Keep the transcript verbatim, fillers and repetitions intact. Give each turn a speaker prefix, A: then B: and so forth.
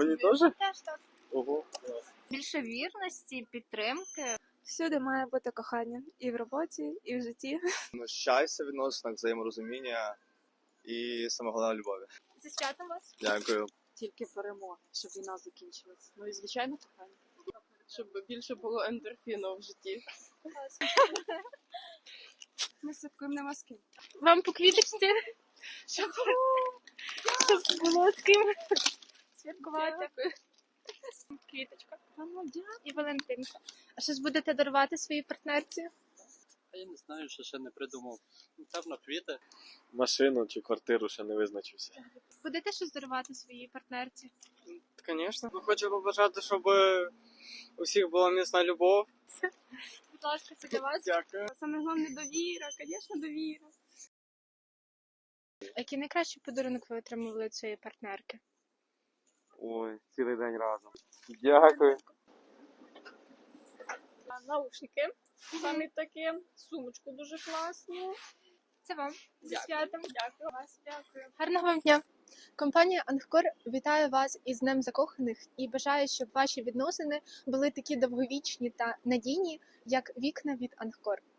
A: Тобі теж?
B: Теж так.
A: Ого.
B: Більше вірності, підтримки.
C: Всюди має бути кохання. І в роботі, і в житті.
A: Ну, щастя, відносинах, взаєморозуміння і саме головне любові.
B: Зі святом вас.
A: Дякую.
D: Тільки перемога, щоб війна закінчилась. Ну і звичайно кохання. Щоб більше було ендорфіну в житті.
C: Ми святкуємо на Москві.
B: Вам по квіточці. Щоб, щоб було з ким святкувати. Квіточка. І Валентинка. А щось будете дарувати своїй партнерці?
E: А я не знаю, що ще не придумав. Певно, квіти.
A: Машину чи квартиру ще не визначився.
B: Будете щось дарувати своїй партнерці?
F: Звісно. Хочу побажати, щоб у всіх була міцна любов.
B: Будь ласка, це для вас.
F: Дякую.
C: Саме головне довіра, звісно, довіра.
B: Який найкращий подарунок ви отримали від своєї партнерки?
A: Ой, цілий день разом. Дякую.
D: Наушники. Самі такі. Сумочку дуже класну.
B: Це вам. Зі
D: Дякую.
B: святом.
D: Дякую.
B: Вас дякую. Гарного вам дня. Компанія Ангкор вітає вас із Днем закоханих і бажає, щоб ваші відносини були такі довговічні та надійні, як вікна від Ангкор.